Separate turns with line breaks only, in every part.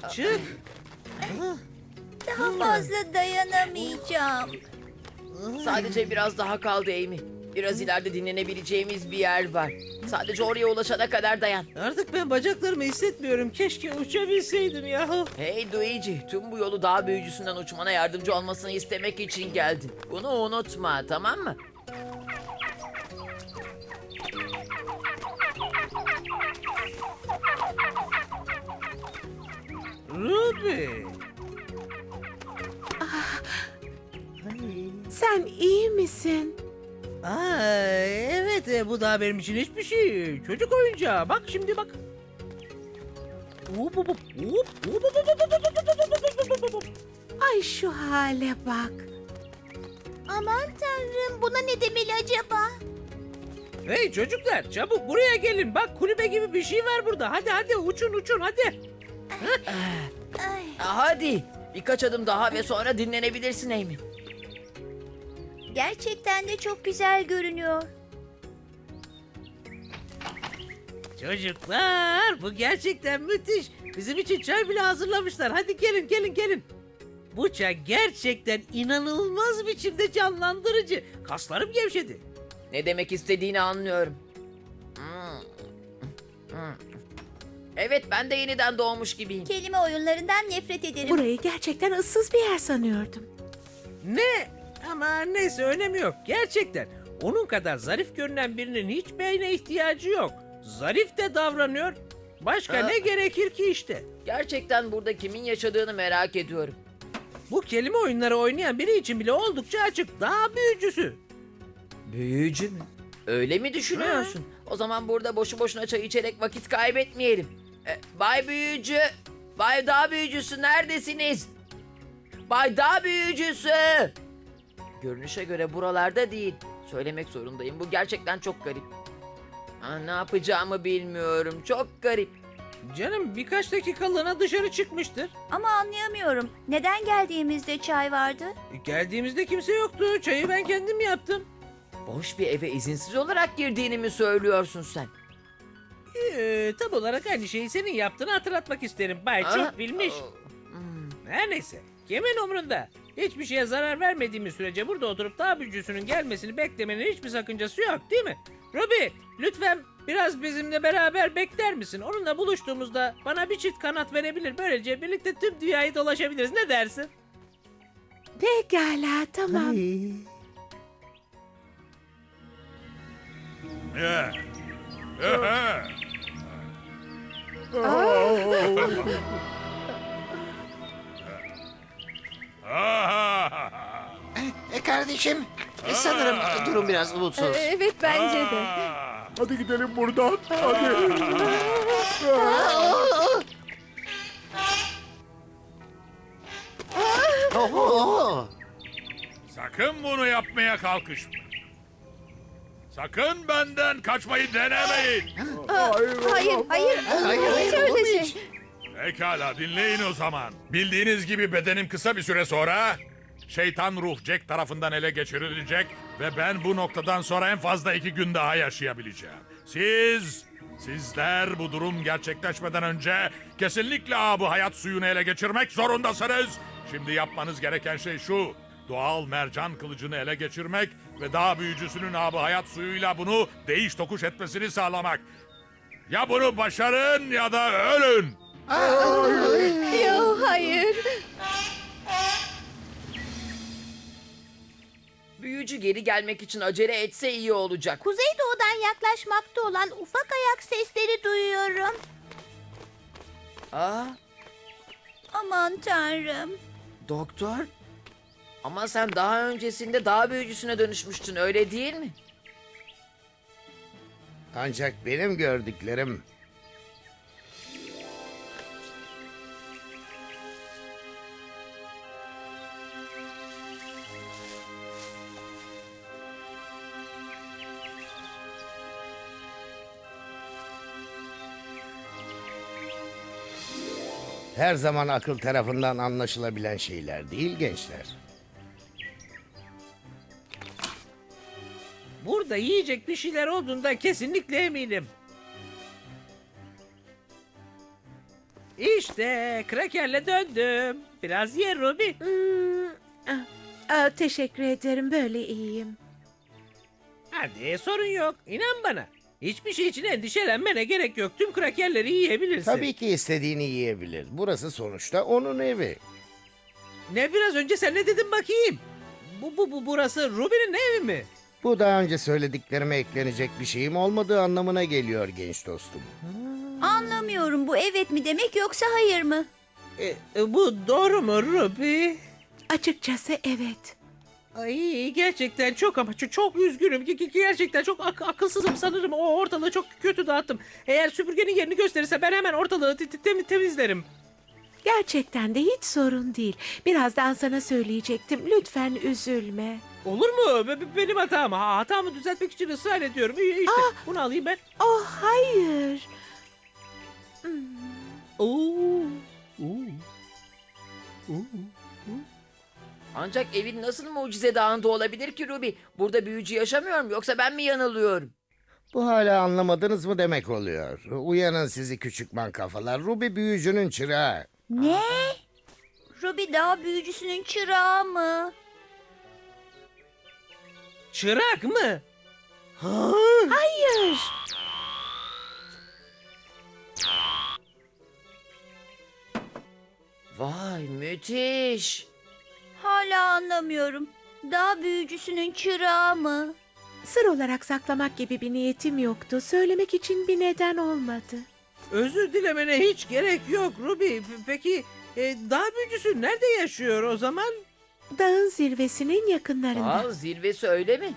çık.
Daha fazla dayanamayacağım.
Sadece biraz daha kaldı Amy. Biraz ileride dinlenebileceğimiz bir yer var. Sadece oraya ulaşana kadar dayan.
Artık ben bacaklarımı hissetmiyorum. Keşke uçabilseydim yahu.
Hey Luigi, tüm bu yolu dağ büyücüsünden uçmana yardımcı olmasını istemek için geldin. Bunu unutma, tamam mı?
Ruby.
Sen iyi misin?
Evet, bu daha benim için hiçbir şey. Çocuk oyuncağı. Bak şimdi bak. Hop, hop, hop, hop, hop, hop, hop, hop, hop, hop, hop.
Ay şu hale bak.
Aman tanrım, buna ne demeli acaba?
Hey çocuklar, çabuk buraya gelin. Bak kulübe gibi bir şey var burada. Hadi hadi uçun hadi.
Ay,
Hadi, birkaç adım daha ve sonra dinlenebilirsin Amy.
gerçekten de çok güzel görünüyor.
Çocuklar, bu gerçekten müthiş. Bizim için çay bile hazırlamışlar. Hadi gelin. Bu çay gerçekten inanılmaz biçimde canlandırıcı. Kaslarım gevşedi.
Ne demek istediğini anlıyorum. Evet, ben de yeniden doğmuş gibiyim.
Kelime oyunlarından nefret ederim.
Burayı gerçekten ıssız bir yer sanıyordum.
Ne? Ama neyse önemi yok. Gerçekten. Onun kadar zarif görünen birinin hiç beyne ihtiyacı yok. Zarif de davranıyor. Başka
Ha.
ne gerekir ki işte?
Gerçekten burada kimin yaşadığını merak ediyorum.
Bu kelime oyunları oynayan biri için bile oldukça açık. Daha büyücüsü.
Büyücü mü? Öyle mi düşünüyorsun? O zaman burada boşu boşuna çay içerek vakit kaybetmeyelim. Bay Büyücü, Bay Dağ Büyücüsü neredesiniz? Bay Dağ Büyücüsü! Görünüşe göre buralarda değil. Söylemek zorundayım. Bu gerçekten çok garip. Ne yapacağımı bilmiyorum. Çok garip.
Canım birkaç dakikalığına dışarı çıkmıştır.
Ama anlayamıyorum. Neden geldiğimizde çay vardı?
Geldiğimizde kimse yoktu. Çayı ben kendim yaptım.
Boş bir eve izinsiz olarak girdiğini mi söylüyorsun sen?
Tam olarak aynı şeyi senin yaptığını hatırlatmak isterim. Bay
Ha?
çok bilmiş. Her neyse. Kimin umrunda? Hiçbir şeye zarar vermediğimiz sürece burada oturup dağ büyücüsünün gelmesini beklemenin hiçbir sakıncası yok değil mi? Ruby lütfen biraz bizimle beraber bekler misin? Onunla buluştuğumuzda bana bir çift kanat verebilir. Böylece birlikte tüm dünyayı dolaşabiliriz. Ne dersin?
Pekala tamam.
Ya. Aha. Aha.
Kardeşim, sanırım durum biraz umutsuz.
Evet bence de.
Ah.
Hadi gidelim buradan. Hadi.
Oho!
Sakın bunu yapmaya kalkışma. Sakın benden kaçmayı denemeyin.
Hayır.
Hayır, olur mu hiç?
Pekala dinleyin o zaman. Bildiğiniz gibi bedenim kısa bir süre sonra şeytan ruh Jack tarafından ele geçirilecek ve ben bu noktadan sonra en fazla 2 gün daha yaşayabileceğim. Sizler bu durum gerçekleşmeden önce kesinlikle bu hayat suyunu ele geçirmek zorundasınız. Şimdi yapmanız gereken şey şu. Doğal mercan kılıcını ele geçirmek ve dağ büyücüsünün hayat suyuyla bunu değiş tokuş etmesini sağlamak. Ya bunu başarın ya da ölün.
Yok hayır.
Büyücü geri gelmek için acele etse iyi olacak.
Kuzeydoğudan yaklaşmakta olan ufak ayak sesleri duyuyorum.
Aa,
Aman tanrım.
doktor? Ama sen daha öncesinde dağ büyücüsüne dönüşmüştün, öyle değil mi?
Ancak benim gördüklerim... Her zaman akıl tarafından anlaşılabilen şeyler değil gençler.
Burada yiyecek bir şeyler olduğundan kesinlikle eminim. İşte krakerle döndüm. Biraz ye Ruby.
Teşekkür ederim, böyle iyiyim.
Hadi sorun yok. İnan bana. Hiçbir şey için endişelenmene gerek yok. Tüm krakerleri yiyebilirsin.
Tabii ki istediğini yiyebilir. Burası sonuçta onun evi.
Ne biraz önce sen ne dedin bakayım? Burası Ruby'nin evi mi?
Bu daha önce söylediklerime eklenecek bir şeyim olmadığı anlamına geliyor genç dostum.
Anlamıyorum, bu evet mi demek yoksa hayır mı?
Bu doğru mu Ruby?
Açıkçası evet.
Ay gerçekten çok ama çok üzgünüm. Gerçekten çok akılsızım sanırım. O ortalığı çok kötü dağıttım. Eğer süpürgenin yerini gösterirse ben hemen ortalığı temizlerim.
Gerçekten de hiç sorun değil. Birazdan sana söyleyecektim. Lütfen üzülme.
Olur mu? Benim hatam. Hatamı düzeltmek için ısrar ediyorum. İşte bunu alayım ben.
Oh hayır.
Oo.
Ancak evin nasıl mucize dağında olabilir ki Ruby? Burada büyücü yaşamıyor mu yoksa ben mi yanılıyorum?
Bu hala anlamadınız mı demek oluyor. Uyanın sizi küçük man kafalar. Ruby büyücünün çırağı.
Ne? Ruby dağ büyücüsünün çırağı mı?
Çırak mı?
Hayır.
Vay müthiş.
Hala anlamıyorum. Dağ büyücüsünün çırağı mı?
Sır olarak saklamak gibi bir niyetim yoktu. Söylemek için bir neden olmadı.
Özür dilemene hiç gerek yok Ruby. Peki dağ büyücüsü nerede yaşıyor o zaman?
Dağın zirvesinin yakınlarında.
Aa, zirvesi öyle mi?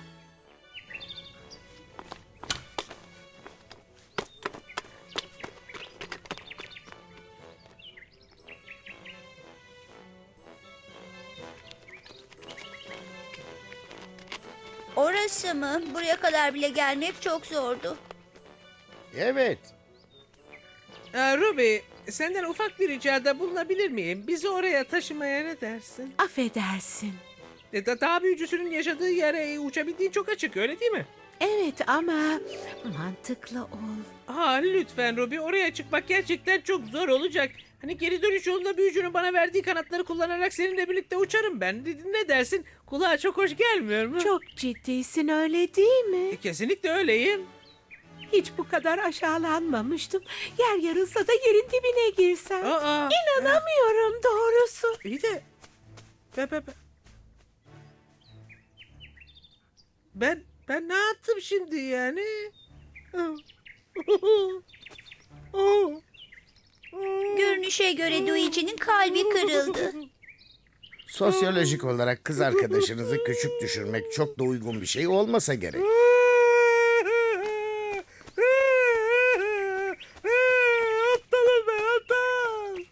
Orası mı? Buraya kadar bile gelmek çok zordu.
Evet.
Ruby, senden ufak bir ricada bulunabilir miyim? Bizi oraya taşımaya ne dersin?
Affedersin.
Dağ büyücüsünün yaşadığı yere uçabildiğin çok açık öyle değil mi?
Evet ama mantıklı ol.
Lütfen Ruby, oraya çıkmak gerçekten çok zor olacak. Hani geri dönüş yolunda büyücünün bana verdiği kanatları kullanarak seninle birlikte uçarım ben. Ne dersin? Kulağa çok hoş gelmiyor mu?
Çok ciddisin, öyle değil mi?
Kesinlikle öyleyim.
Hiç bu kadar aşağılanmamıştım. Yer yarılsa da yerin dibine girsem. İnanamıyorum doğrusu.
İyi de... Ben ne yaptım şimdi yani?
Görünüşe göre Luigi'nin kalbi kırıldı.
Sosyolojik olarak kız arkadaşınızı küçük düşürmek çok da uygun bir şey olmasa gerek.
Aptalım ben aptal.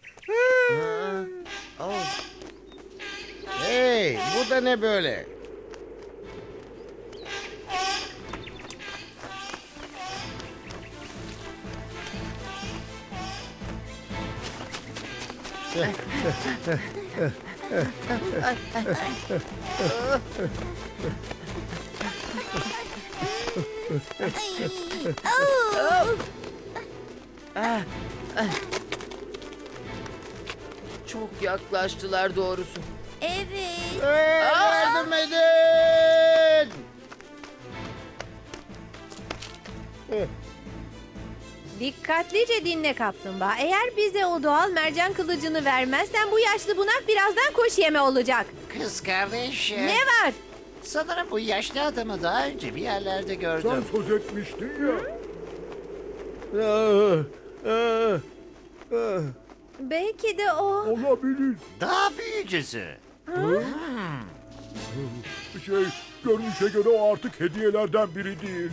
Hey, bu da ne böyle?
Çok yaklaştılar doğrusu.
Evet.
Hey, yardım edin!
Dikkatlice dinle kaplumbağa. Eğer bize o doğal mercan kılıcını vermezsen bu yaşlı bunak birazdan kuş yeme olacak.
Kız kardeş,
Ne var?
sanırım bu yaşlı adamı daha önce bir yerlerde
Sen
gördüm.
söz etmiştin ya.
Belki de o.
Olabilir.
Dağ büyücüsü.
Görünüşe göre o artık hediyelerden biri değil.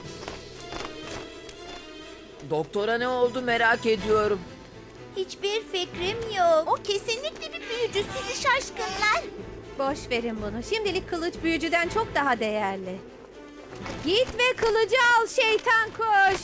Doktora ne oldu merak ediyorum.
Hiçbir fikrim yok. O kesinlikle bir büyücü, sizi şaşkınlar.
Boş verin bunu. Şimdilik kılıç büyücüden çok daha değerli. Git ve kılıcı al şeytan kuş.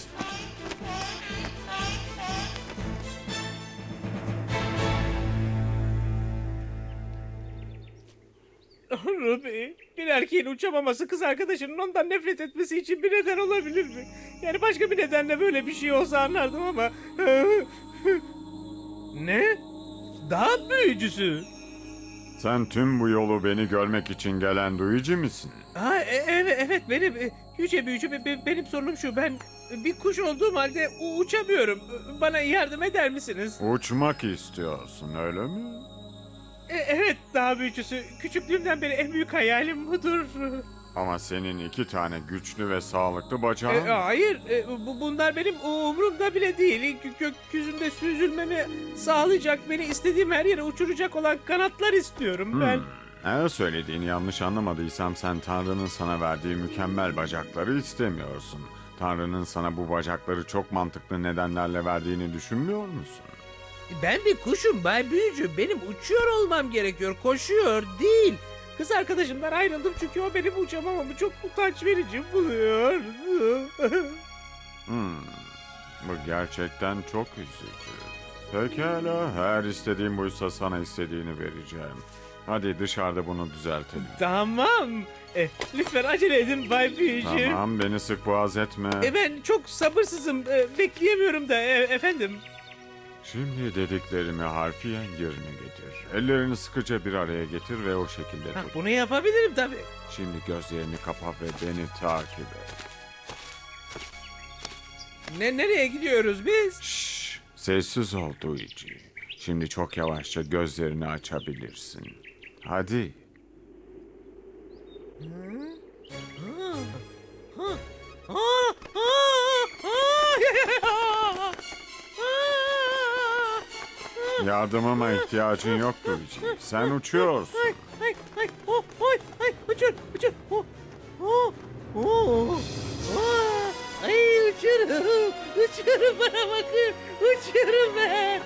Ruby, bir erkeğin uçamaması kız arkadaşının ondan nefret etmesi için bir neden olabilir mi? Yani başka bir nedenle böyle bir şey olsa anlardım ama... Ne? Dağ büyücüsü.
Sen tüm bu yolu beni görmek için gelen duyucu musun?
Ha, evet benim yüce büyücü benim sorunum şu, ben bir kuş olduğum halde uçamıyorum. Bana yardım eder misiniz?
Uçmak istiyorsun öyle mi?
Evet dağ büyücüsü, küçüklüğümden beri en büyük hayalim budur.
Ama senin 2 tane güçlü ve sağlıklı bacağın var.
Hayır, bunlar benim umurumda bile değil. Gökyüzünde süzülmemi sağlayacak, beni istediğim her yere uçuracak olan kanatlar istiyorum ben.
Eğer söylediğini yanlış anlamadıysam sen Tanrı'nın sana verdiği mükemmel bacakları istemiyorsun. Tanrı'nın sana bu bacakları çok mantıklı nedenlerle verdiğini düşünmüyor musun?
Ben bir kuşum Bay Büyücü. Benim uçuyor olmam gerekiyor, koşuyor değil. Kız arkadaşımdan ayrıldım çünkü o benim uçamamamı çok utanç verici buluyor.
Bu gerçekten çok üzücü. Pekala, her istediğin buysa sana istediğini vereceğim. Hadi dışarıda bunu düzeltelim.
Tamam. Lütfen acele edin Bay Büyücü.
Tamam, beni sık boğaz etme.
Ben çok sabırsızım. Bekleyemiyorum da efendim.
Şimdi dediklerimi harfiyen yerine getir. Ellerini sıkıca bir araya getir ve o şekilde tut.
Bunu yapabilirim tabii.
Şimdi gözlerini kapa ve beni takip et.
Nereye gidiyoruz biz?
Şşş, sessiz ol Duyucu. Şimdi çok yavaşça gözlerini açabilirsin. Hadi. Yardımıma ihtiyacın yok Duyucu. Sen uçuyorsun.
Uçur. Ay uçurum bana bakın. Uçuyorum ben.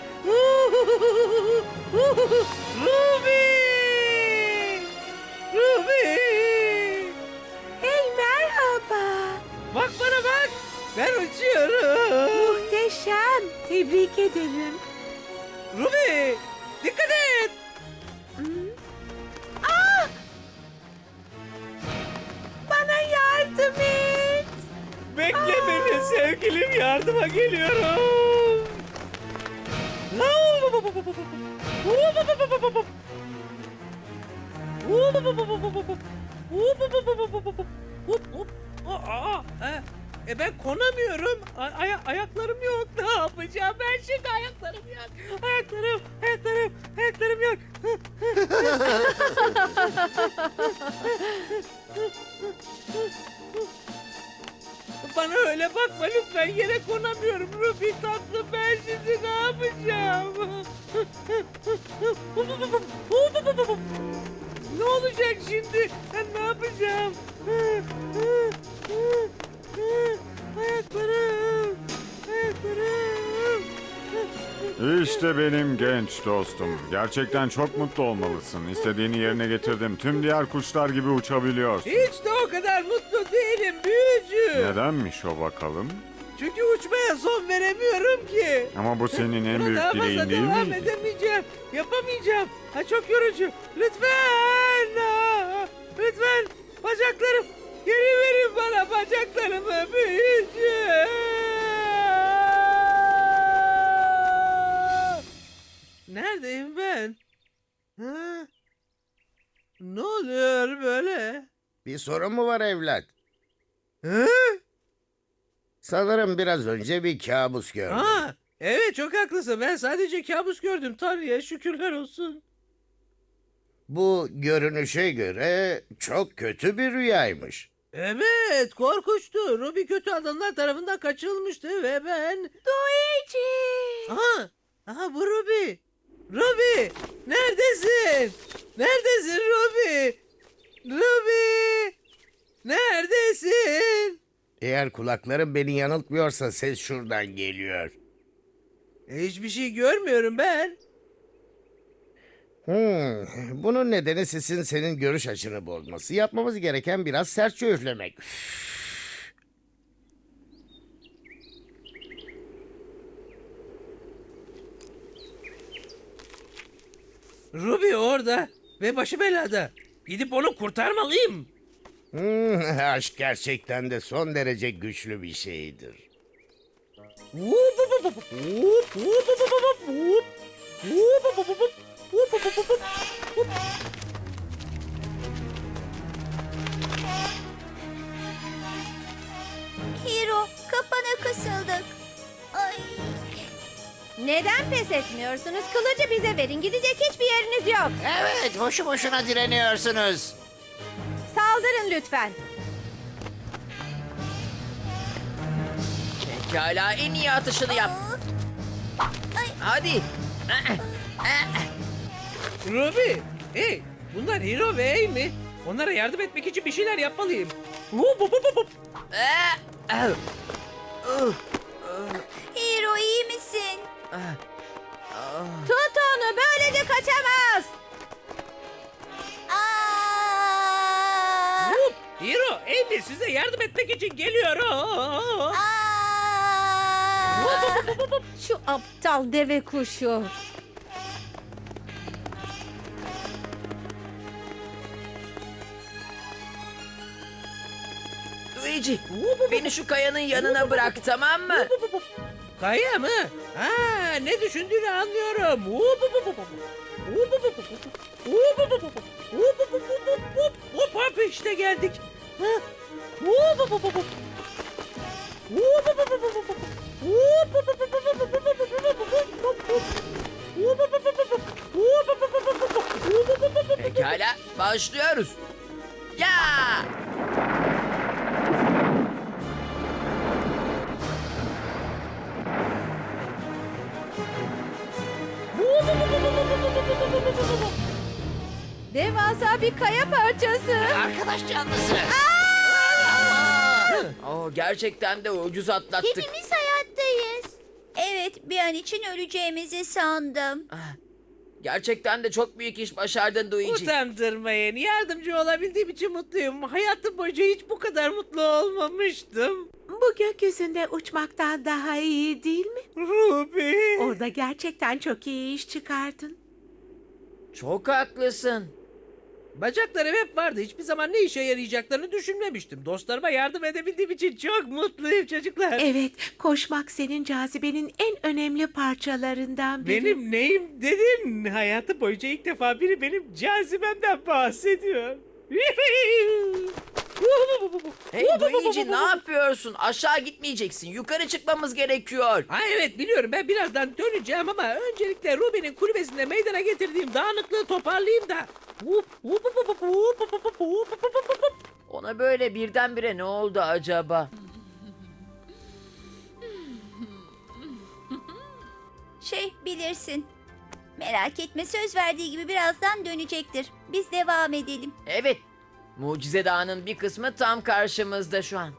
Ruby.
Hey merhaba.
Bak bana bak. Ben uçuyorum.
Muhteşem. Tebrik ederim.
Ruby. Dikkat et.
Bana yardım et.
Bekle beni sevgilim, yardıma geliyorum. Ben konamıyorum. Ayaklarım yok. Ne yapacağım ben şimdi? Ayaklarım yok. Ayaklarım yok. Bana öyle bakma lütfen, yere konamıyorum Ruby tatlım, ben şimdi ne yapacağım? Ne olacak şimdi? Ben ne yapacağım? Ayaklarım.
İşte benim genç dostum. Gerçekten çok mutlu olmalısın. İstediğini yerine getirdim. Tüm diğer kuşlar gibi uçabiliyorsun.
Hiç de o kadar mutlu değilim büyücü.
Nedenmiş o bakalım?
Çünkü uçmaya son veremiyorum ki.
Ama bu senin en
Buna
büyük
daha
dileğin
fazla
değil
devam
miydi?
edemeyeceğim. Yapamayacağım. Çok yorucu. Lütfen. Lütfen. Bacaklarım. Geri verin bana bacaklarımı büyücü. Neredeyim ben? Ha? Ne oluyor böyle?
Bir sorun mu var evlat?
Hı?
Sanırım biraz önce bir kabus gördüm.
Ha, evet çok haklısın. Ben sadece kabus gördüm. Tanrı'ya şükürler olsun.
Bu görünüşe göre çok kötü bir rüyaymış.
Evet, korkunçtu. Ruby kötü adamlar tarafından kaçırılmıştı ve ben...
Luigi.
Aha bu Ruby. Ruby, neredesin? Neredesin Ruby? Ruby, neredesin?
Eğer kulaklarım beni yanıltmıyorsa ses şuradan geliyor.
Hiçbir şey görmüyorum ben.
Bunun nedeni sesin senin görüş açını bozması. Yapmamız gereken biraz sertçe üflemek.
Ruby orada ve başı belada. Gidip onu kurtarmalıyım.
Aşk gerçekten de son derece güçlü bir şeydir.
Hiro, kapana kısıldık. Ay.
Neden pes etmiyorsunuz? Kılıcı bize verin. Gidecek hiçbir yeriniz yok.
Evet, boşu boşuna direniyorsunuz.
Saldırın lütfen.
Pekala, en iyi atışını yap. Hadi.
Ruby, hey, bunlar Hiro ve Amy. Onlara yardım etmek için bir şeyler yapmalıyım. Hup, hup, hup, hup.
Hiro, iyi misin?
Tut onu. Böylece kaçamaz.
Aa!
Hup, Hiro, Amy size yardım etmek için geliyor.
Aa!
Şu aptal deve kuşu.
Luigi, beni şu kayanın yanına bırak, tamam mı?
Kaya mı? Ha, ne düşündüğünü anlıyorum. Hup, hup, hup, hup, hup. Hup, hup, hup, hup, hup. Hup, hup, hup, hup. Hup, hup, hup, hup, hup. Hop, hop, işte geldik. Ha. Hup, hup, hup, hup, hup. Hup, hup, hup, hup, hup, hup. Hup, hup, hup, hup, hup, hup, hup, hup, hup, hup, hup, hup. Hup, hup, hup, hup, hup. Hup, hup, hup, hup, hup, hup. Hup, hup, hup, hup, hup.
Pekala, başlıyoruz. Ya!
Devasa bir kaya parçası.
Arkadaş canlısı.
Gerçekten de ucuz atlattık.
Hepimiz hayattayız. Evet, bir an için öleceğimizi sandım.
Gerçekten de çok büyük iş başardın Luigi.
Utandırmayın. Yardımcı olabildiğim için mutluyum. Hayatım boyunca hiç bu kadar mutlu olmamıştım.
Bu gökyüzünde uçmaktan daha iyi değil mi?
Ruby.
Orada gerçekten çok iyi iş çıkardın.
Çok haklısın.
Bacaklarım hep vardı. Hiçbir zaman ne işe yarayacaklarını düşünmemiştim. Dostlarıma yardım edebildiğim için çok mutluyum çocuklar.
Evet, koşmak senin cazibenin en önemli parçalarından biri.
Benim neyim dedin? Hayatım boyunca ilk defa biri benim cazibemden bahsediyor.
Hey Luigi, ne yapıyorsun? Aşağı gitmeyeceksin. Yukarı çıkmamız gerekiyor.
Ha evet biliyorum, ben birazdan döneceğim ama öncelikle Ruby'nin kulübesinde meydana getirdiğim dağınıklığı toparlayayım da.
Ona böyle birdenbire ne oldu acaba?
Bilirsin. Merak etme, söz verdiği gibi birazdan dönecektir. Biz devam edelim.
Evet, Mucize Dağı'nın bir kısmı tam karşımızda şu an.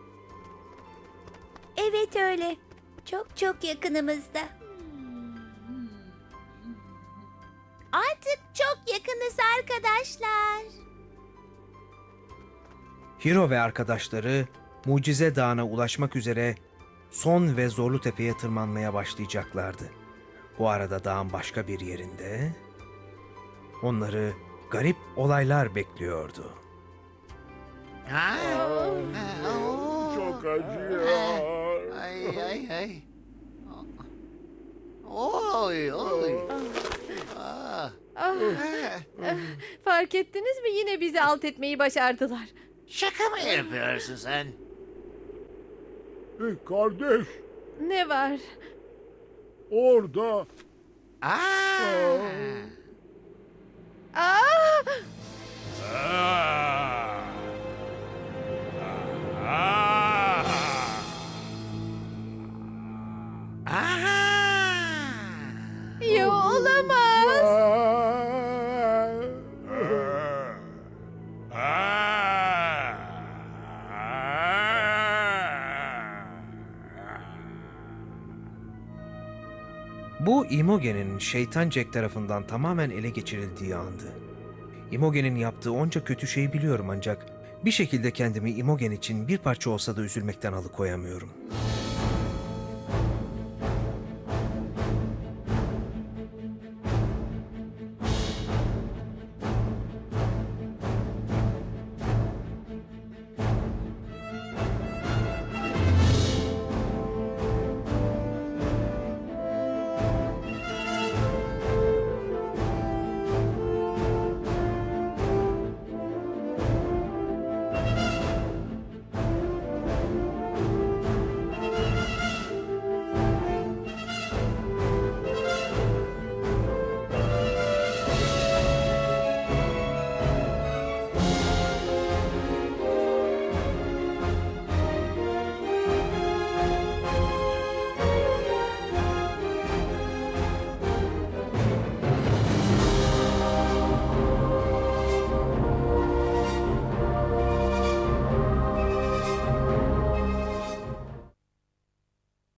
Evet öyle. Çok çok yakınımızda. Artık çok yakınız arkadaşlar.
Hiro ve arkadaşları Mucize Dağı'na ulaşmak üzere son ve zorlu tepeye tırmanmaya başlayacaklardı. Bu arada dağın başka bir yerinde onları garip olaylar bekliyordu.
Ha?
Çok acıyor.
Ay ay ay. Oy oy.
Fark ettiniz mi? Yine bizi alt etmeyi başardılar.
Şaka mı yapıyorsun sen?
Kardeş,
Ne var?
orada.
Aa!
Aa! Yo, olamaz.
Bu Imogen'in şeytan Jack tarafından tamamen ele geçirildiği andı. Imogen'in yaptığı onca kötü şeyi biliyorum ancak bir şekilde kendimi Imogen için bir parça olsa da üzülmekten alıkoyamıyorum.